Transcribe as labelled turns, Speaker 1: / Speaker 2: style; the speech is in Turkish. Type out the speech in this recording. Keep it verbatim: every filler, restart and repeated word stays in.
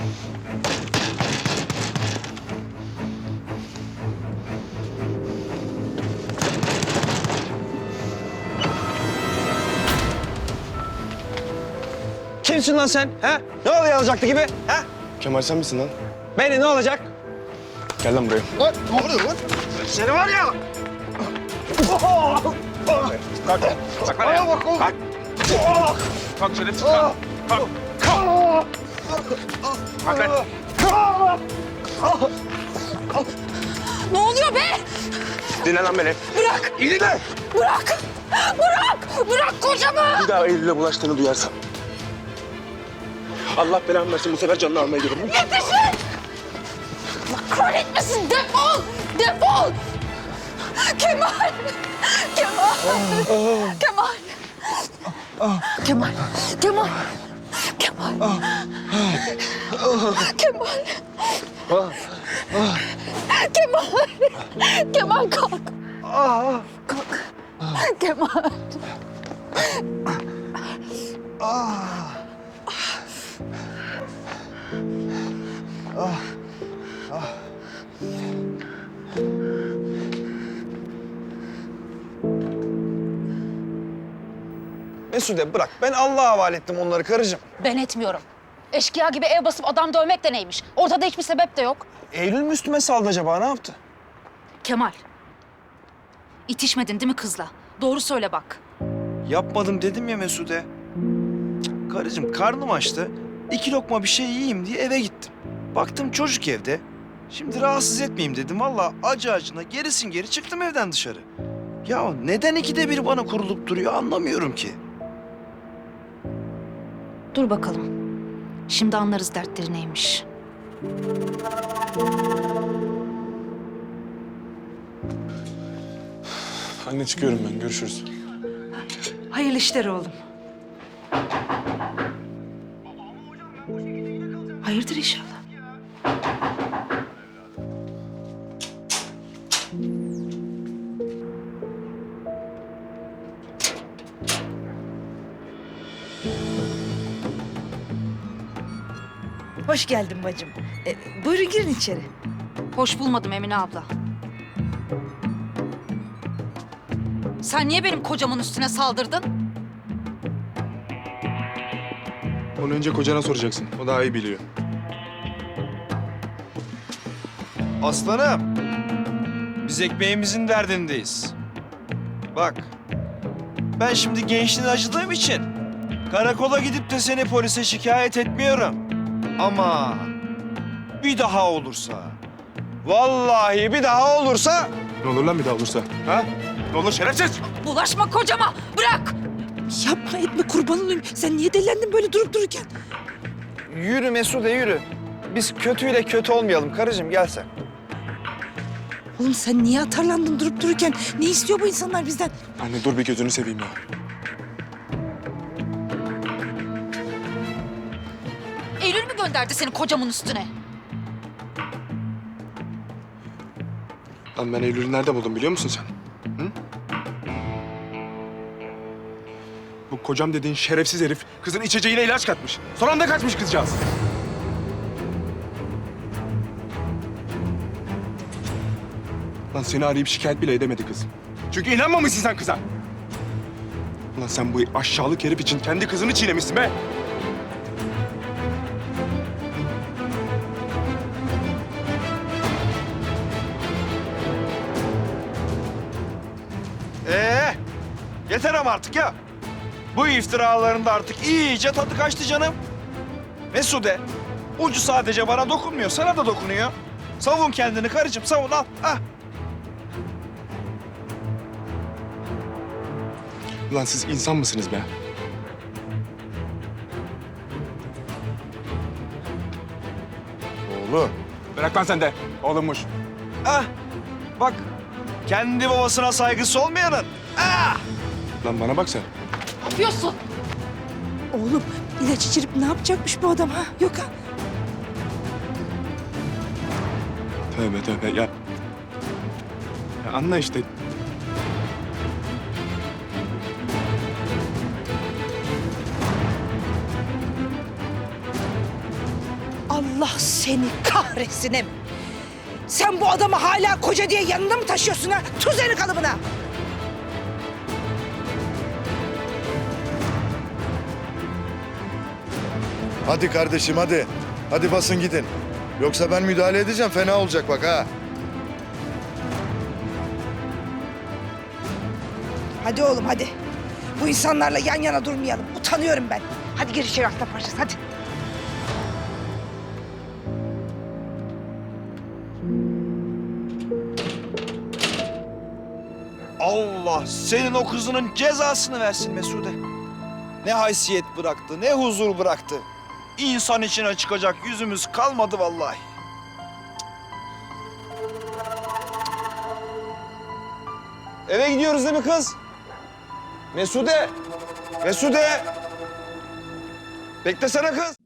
Speaker 1: Kimsin lan sen? Ha? Ne oluyor alacaktı gibi? Ha?
Speaker 2: Kemal sen misin lan?
Speaker 1: Beni ne olacak?
Speaker 2: Gel lan buraya.
Speaker 1: Lan ne oluyor lan? Seni var ya! Kalk. Kalk lan ya. Kalk. Kalk şerefsiz kalk. Kalk. Kalk. Kalk lan.
Speaker 3: Ne oluyor be?
Speaker 2: Dinle lan beni.
Speaker 3: Bırak!
Speaker 2: İyi dinle.
Speaker 3: Bırak! Bırak! Bırak kocamı!
Speaker 2: Bir daha Eylül'e bulaştığını duyarsam. Allah belamı versin, bu sefer canını almaya gidiyorum.
Speaker 3: Yetişin! Allah kahretmesin! Defol! Defol! Kemal! Kemal! Kemal! Kemal! Kemal! Kemal! Kemal! Kemal! Kemal kalk! Kalk! Kemal!
Speaker 1: Mesude bırak. Ben Allah'a havale ettim onları karıcığım.
Speaker 3: Ben etmiyorum. Eşkıya gibi ev basıp adam dövmek de neymiş? Ortada hiçbir sebep de yok.
Speaker 1: Eylül mü üstüme saldı acaba? Ne yaptı?
Speaker 3: Kemal. İtişmedin değil mi kızla? Doğru söyle bak.
Speaker 4: Yapmadım dedim ya Mesude. Cık, Karıcığım karnım açtı. İki lokma bir şey yiyeyim diye eve gittim. Baktım çocuk evde. Şimdi rahatsız etmeyeyim dedim. Vallahi acı acına gerisin geri çıktım evden dışarı. Ya neden ikide bir bana kurulup duruyor anlamıyorum ki.
Speaker 3: Dur bakalım. Şimdi anlarız dertleri neymiş.
Speaker 2: Anne çıkıyorum ben, görüşürüz.
Speaker 5: Hayırlı işler oğlum. Hayırdır inşallah. Hoş geldin bacım. Ee, buyurun girin içeri.
Speaker 3: Hoş bulmadım Emine abla. Sen niye benim kocamın üstüne saldırdın?
Speaker 2: Onu önce kocana soracaksın, o daha iyi biliyor.
Speaker 4: Aslanım. Biz ekmeğimizin derdindeyiz. Bak. Ben şimdi gençliğine acıdığım için karakola gidip de seni polise şikayet etmiyorum. Ama bir daha olursa, vallahi bir daha olursa
Speaker 2: Ne olur lan bir daha olursa? Ha? Ne olur şerefsiz!
Speaker 3: Bulaşma kocama! Bırak!
Speaker 5: Yapma etme kurban olayım. Sen niye delendin böyle durup dururken?
Speaker 1: Yürü Mesude yürü. Biz kötüyle kötü olmayalım karıcığım gel sen.
Speaker 5: Oğlum sen niye atarlandın durup dururken? Ne istiyor bu insanlar bizden?
Speaker 2: Anne dur bir gözünü seveyim ya.
Speaker 3: Eylül mü gönderdi seni kocamın üstüne?
Speaker 2: Lan ben Eylül'ü nerede buldum biliyor musun sen? Hı? Bu kocam dediğin şerefsiz herif kızın içeceğine ilaç katmış. Son anda kaçmış kızcağız. Lan seni arayıp şikayet bile edemedi kız. Çünkü inanmamışsın sen kıza. Lan sen bu aşağılık herif için kendi kızını çiğnemişsin be.
Speaker 4: Ee, yeter ama artık ya. Bu iftiraların da artık iyice tadı kaçtı canım. Mesude, ucu sadece bana dokunmuyor, sana da dokunuyor. Savun kendini karıcığım, savun al. Ah.
Speaker 2: Lan siz insan mısınız be?
Speaker 4: Oğlum.
Speaker 2: Bırak lan sen de. Oğlummuş.
Speaker 4: Ah, bak kendi babasına saygısı olmayanın. Ah!
Speaker 2: Lan bana bak sen.
Speaker 3: Ne yapıyorsun?
Speaker 5: Oğlum ilaç içirip ne yapacakmış bu adam ha? Yok ha?
Speaker 2: Tövbe tövbe ya. Ya anla işte.
Speaker 5: Al Allah seni kahretsin em. Sen bu adamı hala koca diye yanında mı taşıyorsun ha? Tuz eli kalıbına.
Speaker 6: Hadi kardeşim hadi. Hadi basın gidin. Yoksa ben müdahale edeceğim fena olacak bak ha.
Speaker 5: Hadi oğlum hadi. Bu insanlarla yan yana durmayalım. Utanıyorum ben. Hadi gir içeri aslan parçası hadi.
Speaker 4: Allah senin o kızının cezasını versin Mesude. Ne haysiyet bıraktı, ne huzur bıraktı. İnsan içine çıkacak yüzümüz kalmadı vallahi. Eve gidiyoruz değil mi kız? Mesude! Mesude! Beklesene kız!